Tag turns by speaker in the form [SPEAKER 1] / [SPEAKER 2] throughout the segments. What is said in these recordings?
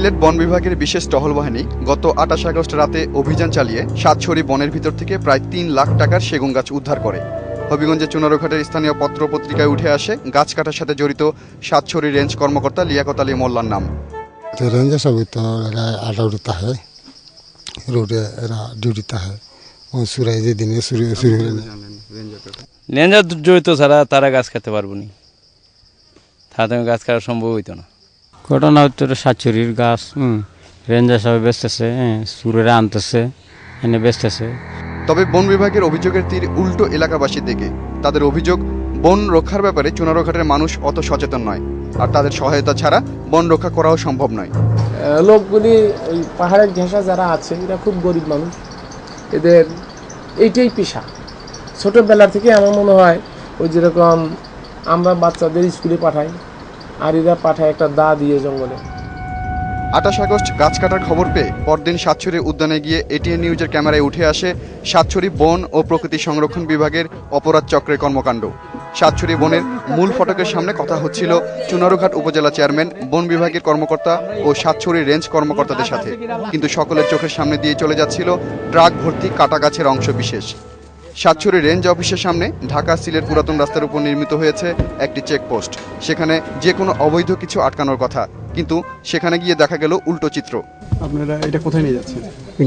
[SPEAKER 1] সিলেট বন বিভাগের বিশেষ টহল বাহিনী গত ২৮ আগস্ট রাতে অভিযান চালিয়ে সাতছড়ি বনের ভিতর থেকে প্রায় ৩ লাখ টাকার সেগুন গাছ উদ্ধার করে। হবিগঞ্জের চুনারুঘাটের স্থানীয় পত্রপত্রিকায় উঠে আসে গাছ কাটার সাথে জড়িত সাতছড়ি রেঞ্জ কর্মকর্তা লিয়াকত আলী মোল্লার নাম।
[SPEAKER 2] रेंजर सब तो आटा उड़ता है, रोड ड्यूटीता है, वो सूरज दिन
[SPEAKER 3] রেঞ্জার জড়িত ছাড়া তারা গাছ কাটতে পারবো না, তারা গাছ কাটা সম্ভব হইতো না।
[SPEAKER 4] ঘটনা হচ্ছে সাতছড়ির গাছ রেঞ্জার সবাই বেচতেছে, সুরেরা আনতেছে, এনে বেচতেছে।
[SPEAKER 1] তবে বন বিভাগের অভিযোগের তীর উল্টো এলাকাবাসীর দিকে। তাদের অভিযোগ, বন রক্ষার ব্যাপারে চুনারুঘাটের মানুষ অত সচেতন নয়, আর তাদের সহায়তা ছাড়া বন রক্ষা করাও সম্ভব নয়।
[SPEAKER 5] লোকগুলি ওই পাহাড়ের ঘেঁষা যারা আছে এরা খুব গরিব মানুষ, এদের এইটাই পেশা। ছোটোবেলা থেকে আমার মনে হয় ওই যেরকম আমরা বাচ্চাদের স্কুলে পাঠাই, আর এরা পাঠায় একটা দা দিয়ে জঙ্গলে।
[SPEAKER 1] ২৮ আগস্ট গাছ কাটার খবর পেয়ে পরদিন সাতছড়ি উদ্যানে গিয়ে এটিএন নিউজের ক্যামেরায় উঠে আসে সাতছড়ি বন ও প্রকৃতি সংরক্ষণ বিভাগের অপরাধ চক্রের কর্মকাণ্ড। সাতছড়ি বনের মূল ফটকের সামনে কথা হচ্ছিল চুনারুঘাট উপজেলা চেয়ারম্যান, বন বিভাগের কর্মকর্তা ও সাতছড়ি রেঞ্জ কর্মকর্তাদের সাথে, কিন্তু সকলের চোখের সামনে দিয়ে চলে যাচ্ছিল ট্রাক ভর্তি কাটা গাছের অংশ বিশেষ। সাতছড়ি রেঞ্জ অফিসের সামনে ঢাকা সিলেট পুরাতন রাস্তার উপর নির্মিত হয়েছে একটি চেকপোস্ট। সেখানে যে কোনো অবৈধ কিছু আটকানোর কথা, কিন্তু সেখানে গিয়ে দেখা গেল উল্টো চিত্র।
[SPEAKER 6] আপনারা এটা কোথায় নিয়ে যাচ্ছেন?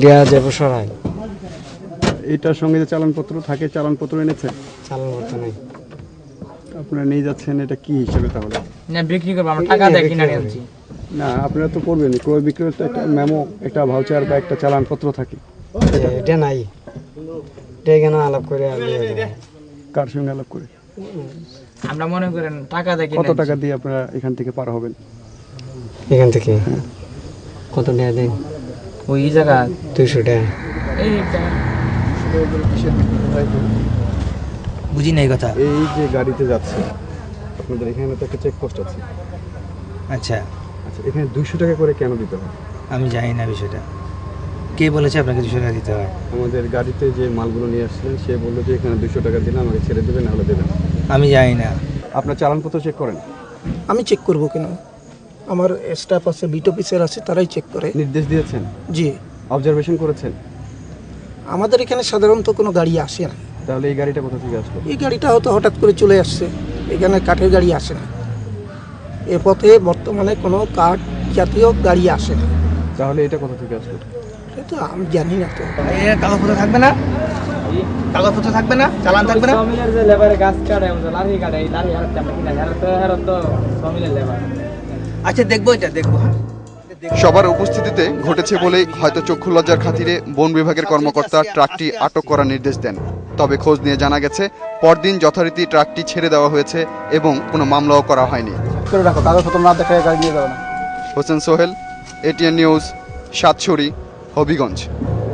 [SPEAKER 6] এটার সঙ্গে যে চালানপত্র থাকে, চালানপত্র এনেছেন?
[SPEAKER 4] চালানপত্র নেই।
[SPEAKER 6] আপনারা নিয়ে যাচ্ছেন এটা কি হিসেবে তাহলে?
[SPEAKER 5] না, বিক্রি করবো, আমরা টাকা দিয়ে কিনে আনছি।
[SPEAKER 6] না, আপনারা তো করবেন ক্রয় বিক্রয়, তো একটা মেমো, একটা ভাউচার বা একটা চালানপত্র থাকে।
[SPEAKER 4] এটা নাই, এটা কেন আলাপ করে?
[SPEAKER 6] কার সঙ্গে আলাপ করে?
[SPEAKER 5] আমরা মনে করেন টাকা দিয়ে
[SPEAKER 6] কত টাকা দিয়ে আপনারা এখান থেকে পার হবেন?
[SPEAKER 4] এখান থেকে কত টাকা দেন?
[SPEAKER 5] ওই জায়গা
[SPEAKER 4] 200 টাকা।
[SPEAKER 5] বুঝি নাই কথা।
[SPEAKER 6] এই যে গাড়িতে যাচ্ছে আপনাদের, এখানে তো একটা চেকপোস্ট আছে।
[SPEAKER 5] আচ্ছা,
[SPEAKER 6] আচ্ছা, এখানে 200 টাকা করে কেন দিতে হয়?
[SPEAKER 5] আমি জানি না বিষয়টা। কে বলেছে আপনাকে 200 টাকা দিতে হয়?
[SPEAKER 6] আমাদের গাড়িতে যে মালগুলো নিয়ে আসছিলেন সে বললো যে এখানে 200 টাকা দিলে আমাকে ছেড়ে দেবেন, নাহলে দেবেন।
[SPEAKER 5] আমি জানি না।
[SPEAKER 6] আপনার চালানপত্র চেক করেন?
[SPEAKER 7] আমি চেক করব কেন? আমার স্টাফ আছে, বিট অফিসার আছে, তারাই চেক করে।
[SPEAKER 6] নির্দেশ দিয়েছেন?
[SPEAKER 7] জি।
[SPEAKER 6] অবজারভেশন করেছেন?
[SPEAKER 7] আমাদের এখানে সাধারণত কোনো গাড়ি আসে না।
[SPEAKER 6] তাহলে এই গাড়িটা কোথা থেকে আসলো?
[SPEAKER 7] এই গাড়িটা হয়তো হঠাৎ করে চলে আসছে, এখানে কাঠের গাড়ি আসে না। এ পথে বর্তমানে কোনো কাঠ জাতীয় গাড়ি আসে না।
[SPEAKER 6] তাহলে এটা কোথা থেকে আসলো?
[SPEAKER 7] সেটা আমি জানি না। তো
[SPEAKER 5] কাগজপত্র থাকবে না, কাগজপত্র থাকবে না, চালান থাকবে না। সমিলের যে লেবারে গাছ কাটে, লাঠি কাটে, এই লাঠি হারাতে আমরা কিনা হারাতে সমিলের লেবার। আচ্ছা, দেখবো, এটা দেখবো। হ্যাঁ,
[SPEAKER 1] সবার উপস্থিতিতে ঘটেছে বলেই হয়তো চক্ষু লজ্জার খাতিরে বন বিভাগের কর্মকর্তা ট্রাকটি আটক করার নির্দেশ দেন। তবে খোঁজ নিয়ে জানা গেছে পরদিন যথারীতি ট্রাকটি ছেড়ে দেওয়া হয়েছে এবং কোনো মামলাও করা হয়নি।
[SPEAKER 6] কাগজপত্র না দেখায় গাড়ি নিয়ে যাবে না।
[SPEAKER 1] হোসেন সোহেল, এটিএন নিউজ, সাতছড়ি, হবিগঞ্জ।